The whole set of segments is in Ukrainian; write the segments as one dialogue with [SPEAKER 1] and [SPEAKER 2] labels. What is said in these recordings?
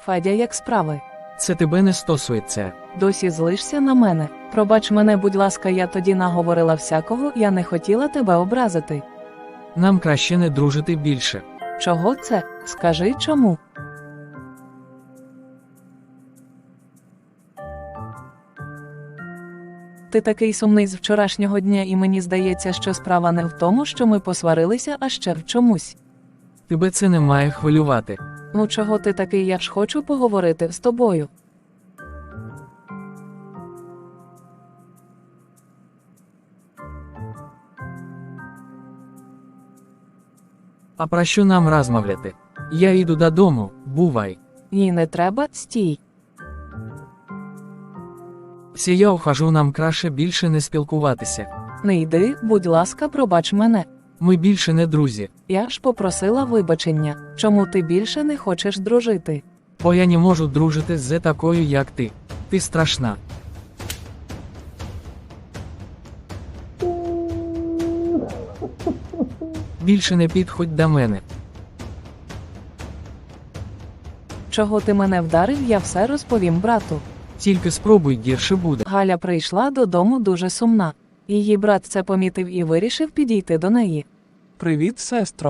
[SPEAKER 1] Федя, як справи?
[SPEAKER 2] Це тебе не стосується.
[SPEAKER 1] Досі злишся на мене? Пробач мене, будь ласка, я тоді наговорила всякого, я не хотіла тебе образити.
[SPEAKER 2] Нам краще не дружити більше.
[SPEAKER 1] Чого це? Скажи чому? Ти такий сумний з вчорашнього дня, і мені здається, що справа не в тому, що ми посварилися, а ще в чомусь.
[SPEAKER 2] Тебе це не має хвилювати.
[SPEAKER 1] Ну чого ти такий, я ж хочу поговорити з тобою.
[SPEAKER 2] А про що нам розмовляти? Я йду додому, бувай.
[SPEAKER 1] Ні, не треба, стій.
[SPEAKER 2] Всі я ухожу, нам краще більше не спілкуватися.
[SPEAKER 1] Не йди, будь ласка, пробач мене.
[SPEAKER 2] Ми більше не друзі.
[SPEAKER 1] Я ж попросила вибачення. Чому ти більше не хочеш дружити?
[SPEAKER 2] Бо я не можу дружити з такою, як ти. Ти страшна. Більше не підходь до мене.
[SPEAKER 1] Чого ти мене вдарив, я все розповім брату.
[SPEAKER 2] Тільки спробуй, гірше буде.
[SPEAKER 1] Галя прийшла додому дуже сумна. Її брат це помітив і вирішив підійти до неї.
[SPEAKER 3] Привіт, сестро.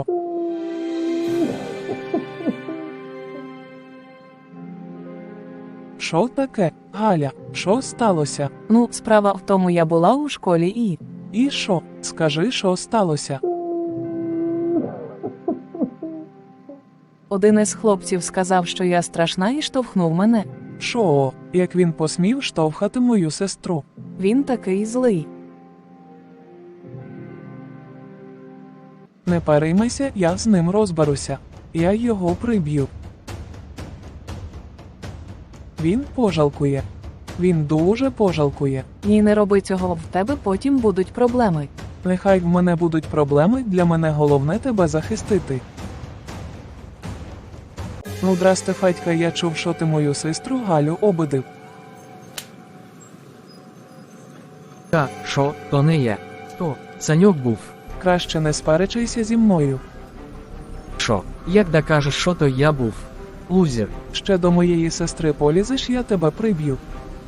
[SPEAKER 3] Що таке, Галя? Що сталося?
[SPEAKER 1] Ну, справа в тому, я була у школі і...
[SPEAKER 3] І що? Скажи, що сталося?
[SPEAKER 1] Один із хлопців сказав, що я страшна, і штовхнув мене.
[SPEAKER 3] Що, як він посмів штовхати мою сестру?
[SPEAKER 1] Він такий злий.
[SPEAKER 3] Не переймайся, я з ним розберуся. Я його приб'ю. Він пожалкує. Він дуже пожалкує.
[SPEAKER 1] Ні, не роби цього, в тебе потім будуть проблеми.
[SPEAKER 3] Нехай в мене будуть проблеми, для мене головне тебе захистити. Ну, здрасте, Федька, я чув, що ти мою сестру Галю обидив.
[SPEAKER 2] Та, що, то не я. То, Саньок був.
[SPEAKER 3] Краще не сперечайся зі мною.
[SPEAKER 2] Що, як докажеш, що то я був? Лузер.
[SPEAKER 3] Ще до моєї сестри полізеш, я тебе приб'ю.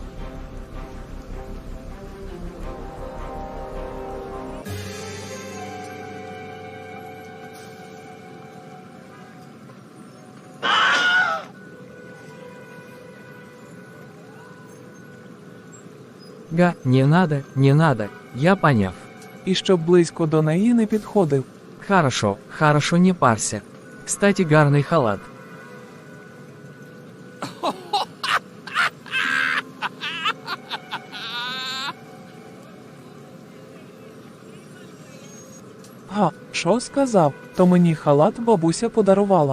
[SPEAKER 2] Га, не надо, я поняв.
[SPEAKER 3] І щоб близько до неї не підходив.
[SPEAKER 2] Хорошо, не парся. Кстати, гарний халат.
[SPEAKER 3] Га, що сказав? То мені халат бабуся подарувала.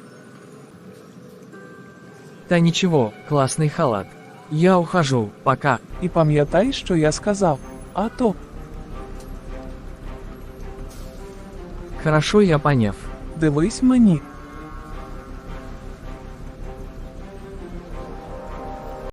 [SPEAKER 2] Та нічого, класний халат. Я ухожу, пока.
[SPEAKER 3] І пам'ятай, що я сказав. А то,
[SPEAKER 2] Хорошо, я поняв.
[SPEAKER 3] дивись мені,